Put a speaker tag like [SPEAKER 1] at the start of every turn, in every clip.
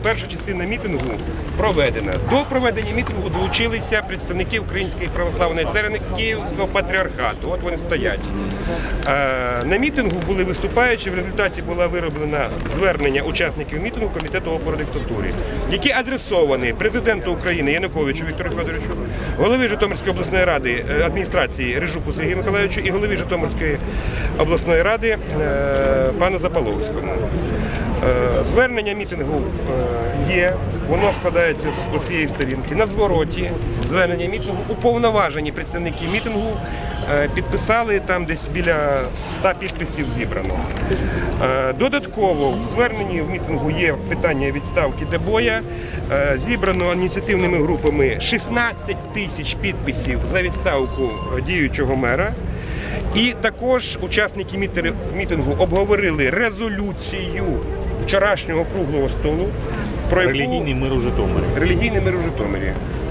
[SPEAKER 1] перша частина мітингу проведена. До проведення мітингу долучилися представники Української православної церкви Київського патріархату. От вони стоять. На мітингу були виступаючі, в результаті було вироблено звернення учасників мітингу Комітету опору диктатурі, які адресовані президенту України Януковичу Віктору Федоровичу, голові Житомирської обласної ради адміністрації Рижуку Сергію Миколайовичу і голові Житомирської обласної ради пану Запаловському. Звернення мітингу є, воно складається з цієї сторінки. На звороті звернення мітингу уповноважені представники мітингу підписали, там десь біля 100 підписів зібрано. Додатково в зверненні в мітингу є питання відставки Дебоя. Зібрано ініціативними групами 16 тисяч підписів за відставку діючого мера. І також учасники мітингу обговорили резолюцію вчорашнього круглого столу про
[SPEAKER 2] релігійний мир у Житомирі.
[SPEAKER 1] Релігійний мир у Житомирі.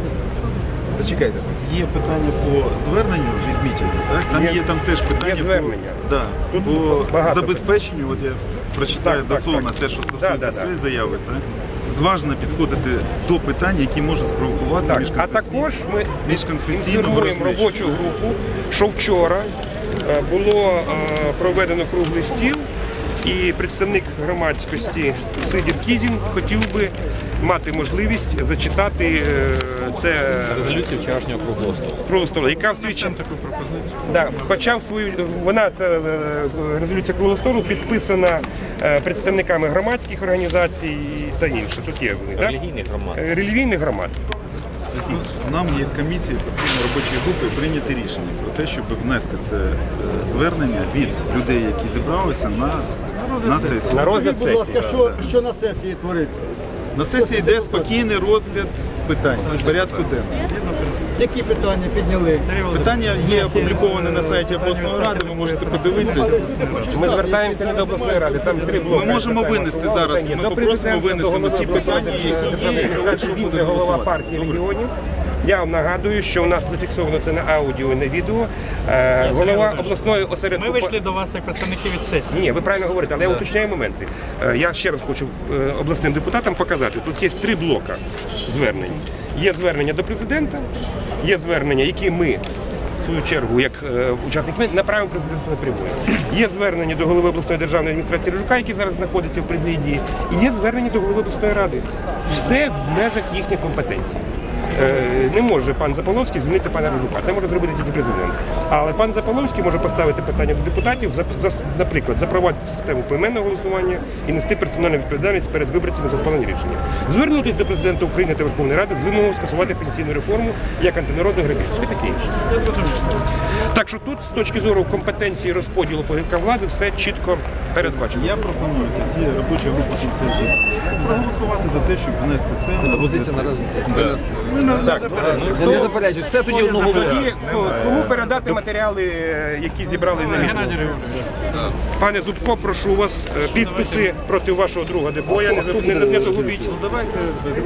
[SPEAKER 3] Зачекайте, є питання по зверненню від мітингу, так? Там теж питання
[SPEAKER 1] є звернення.
[SPEAKER 3] По забезпеченню, от я прочитаю дословно те, що стосується цієї заяви, так? Зважно підходити до питань, які можуть спровокувати
[SPEAKER 1] А також ми інформуємо робочу групу, що вчора було проведено круглий стіл, і представник громадськості Сидір Кізін хотів би мати можливість зачитати це
[SPEAKER 2] резолюцію вчорашнього круглого столу.
[SPEAKER 1] Яка в свій час таку пропозицію? Хоча вона, ця резолюція круглого столу, підписана представниками громадських організацій та інше. Тут є релігійних громад.
[SPEAKER 3] Нам, як комісії, потрібно робочої групи прийняти рішення про те, щоб внести це звернення від людей, які зібралися на сесію.
[SPEAKER 1] На розгляд сесії.
[SPEAKER 4] Будь ласка, що на сесії твориться?
[SPEAKER 3] На сесії йде спокійний розгляд питань в порядку денного.
[SPEAKER 4] Які питання підняли?
[SPEAKER 3] Питання є опубліковане на сайті обласної ради, ви можете подивитися.
[SPEAKER 1] Ми звертаємося не до обласної ради, там 3 блоки.
[SPEAKER 3] Ми можемо винести зараз, ми попросимо винесемо ті питання, які є, якщо буде
[SPEAKER 1] голова партії регіонів. Я вам нагадую, що у нас зафіксовано це на аудіо і на відео. Голова обласної осередку...
[SPEAKER 5] Ми вийшли до вас як представники від сесії.
[SPEAKER 1] Ні, ви правильно говорите, але я уточняю моменти. Я ще раз хочу обласним депутатам показати. Тут є 3 блока звернень. Є звернення до президента, є звернення, які ми, в свою чергу, як учасники, направимо президенту напряму. Є звернення до голови обласної державної адміністрації Рижука, який зараз знаходиться в президії, і є звернення до голови обласної ради. Все в межах їхніх компетенцій. Не може пан Запаловський звільнити пана Рижука. Це може зробити тільки президент. Але пан Запаловський може поставити питання до депутатів, наприклад, запровадити систему поіменного голосування і нести персональну відповідальність перед виборцями за ухвалені рішення. Звернутися до президента України та Верховної Ради з вимогою скасувати пенсійну реформу як антинародну грабіжку і таке інше. Так що тут, з точки зору компетенції розподілу погибка влади, все чітко передбачено.
[SPEAKER 3] Я пропоную тоді робоча група консенсусу проголосувати за те, щоб внести це.
[SPEAKER 2] Пропозиція на розгляд.
[SPEAKER 1] Я не заперечую. Все тоді одноголосно. Кому передати матеріали, які зібрали на відео? Пане Зубко, прошу вас, підписи проти вашого друга Дебоя, не загубіть.
[SPEAKER 3] Давайте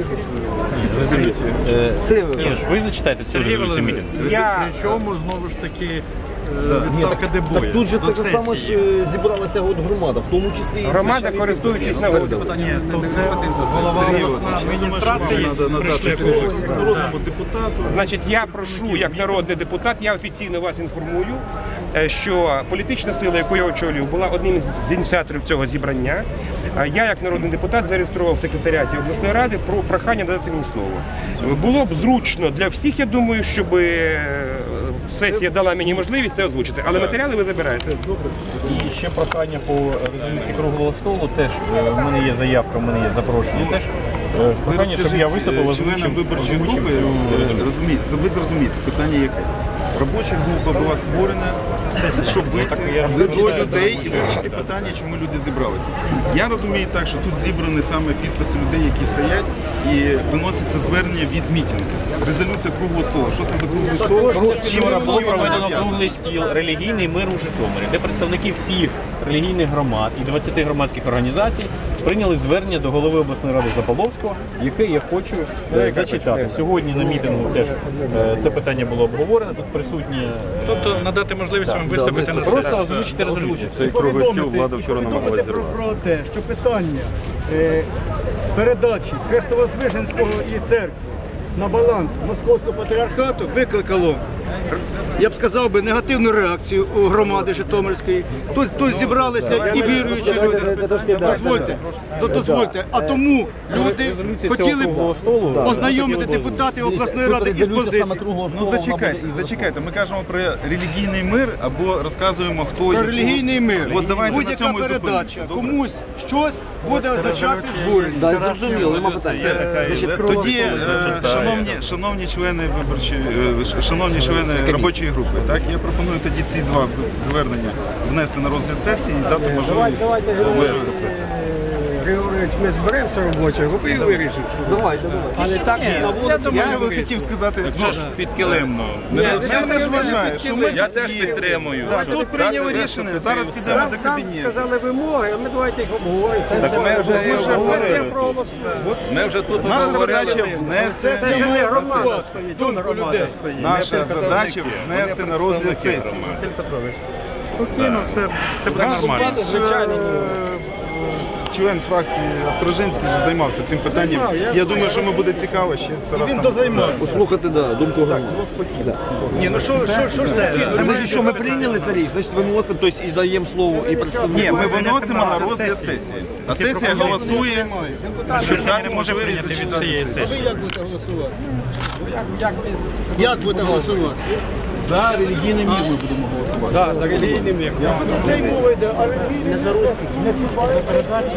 [SPEAKER 2] Ви зачитаєте цю резолюцію мітингу?
[SPEAKER 5] Причому, знову ж таки, відставка Дебоя.
[SPEAKER 4] Так тут же те ж саме ж зібралася громада, в тому числі...
[SPEAKER 1] Громада, користуючись нагодою.
[SPEAKER 5] Голова обласної адміністрації прийшли.
[SPEAKER 3] народному депутату.
[SPEAKER 1] Значить, я прошу, як народний депутат, я офіційно вас інформую, що політична сила, яку я очолюю, була одним з ініціаторів цього зібрання. Я, як народний депутат, зареєстрував в секретаріаті обласної ради про прохання надати мені слово. Було б зручно для всіх, я думаю, щоб сесія дала мені можливість це озвучити, але матеріали ви забираєте.
[SPEAKER 2] І ще прохання по резолюції круглого столу. Теж в мене є заявка, в мене є запрошення. Теж прохання, щоб я виступив,
[SPEAKER 3] озвучив виборчої групи. Ви зрозумієте, питання яке? Робоча група була створена, щоб вийти до людей і вивчити питання, чому люди зібралися. Я розумію так, що тут зібрані саме підписи людей, які стоять, і виноситься звернення від мітингу. Резолюція круглого столу. Що це за круглий стол?
[SPEAKER 2] Вчора було проведено круглий стіл «Релігійний мир у Житомирі», де представники всіх релігійних громад і 20 громадських організацій прийняли звернення до голови обласної ради Запаловського, яке я хочу зачитати. Сьогодні на мітингу теж це питання було обговорено, тут присутні.
[SPEAKER 5] Тобто надати можливість вам виступити на
[SPEAKER 2] Просто
[SPEAKER 5] сесії.
[SPEAKER 2] озвучити резолюцію.
[SPEAKER 6] Цей круглий стіл влада вчора намагалась зірвати.
[SPEAKER 7] Про те, що питання передачі Хрестово-Звиженського і церкви на баланс Московського патріархату викликало, я б сказав би, негативну реакцію у громади Житомирської. Тут зібралися і віруючі люди. Дозвольте. А тому люди хотіли б ознайомити депутатів обласної ради із позицією.
[SPEAKER 3] Ну зачекайте. Ми кажемо про релігійний мир або розказуємо, хто
[SPEAKER 7] Про релігійний мир.
[SPEAKER 3] От давайте на
[SPEAKER 7] Будь-яка
[SPEAKER 3] цьому і
[SPEAKER 7] передача
[SPEAKER 3] зупинимося. Добре?
[SPEAKER 7] комусь щось буде означати збурення.
[SPEAKER 4] Да, зрозуміло, нема питання.
[SPEAKER 3] Тоді, шановні члени шановні члени робочої групи, так, я пропоную тоді ці два звернення внести на розгляд сесії і дати можливість виступити.
[SPEAKER 8] Григорович, ми зберемося робочою групою і вирішимо.
[SPEAKER 4] Давайте.
[SPEAKER 8] Але так на вулиці
[SPEAKER 3] Я би хотів сказати,
[SPEAKER 6] Підкилимно.
[SPEAKER 3] я теж вважаю, що ми
[SPEAKER 6] Я
[SPEAKER 3] тут
[SPEAKER 6] теж
[SPEAKER 3] є.
[SPEAKER 6] підтримую.
[SPEAKER 3] Так, тут прийняли рішення, зараз підемо до
[SPEAKER 8] Нам
[SPEAKER 3] кабінету.
[SPEAKER 8] сказали вимоги, а ми давайте їх обговоримо.
[SPEAKER 6] Так ми вже
[SPEAKER 8] Сесія
[SPEAKER 6] обговорили.
[SPEAKER 8] проголосує.
[SPEAKER 6] Ми вже тут
[SPEAKER 3] Наша
[SPEAKER 6] говорили.
[SPEAKER 3] задача внести,
[SPEAKER 8] Це ж не громада стоїть, тут громада стоїть.
[SPEAKER 3] наша задача внести на розгляд сесії.
[SPEAKER 5] Спокійно, все буде нормально.
[SPEAKER 8] Звичайно,
[SPEAKER 3] Член фракції Острожинський вже займався цим питанням. Я думаю, що йому буде цікаво ще зараз.
[SPEAKER 7] Він
[SPEAKER 3] там-
[SPEAKER 7] дозаймався.
[SPEAKER 4] Послухати, думку громади.
[SPEAKER 7] Ні, ну що це?
[SPEAKER 4] Значить, що ми прийняли це річ, значить виносимо, тобто і даємо слово і представнику.
[SPEAKER 3] Ні, ми виносимо на розгляд сесії. А сесія голосує, щоб дати можливість зачитати.
[SPEAKER 7] Ви як будете голосувати? Як будете голосувати?
[SPEAKER 4] За релігійний мір ми будемо голосувати.
[SPEAKER 8] за релігійним мір.
[SPEAKER 7] Це й мова йде, а релігійний не чіпає передачу.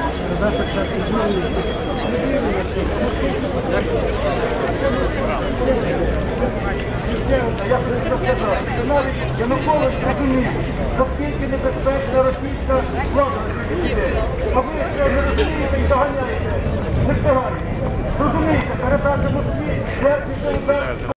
[SPEAKER 7] Янукович розуміє, наскільки небезпечна російська влада. А ви ще не розумієте і доганяєте. Не встигаєте. Розумієте, передача Москві,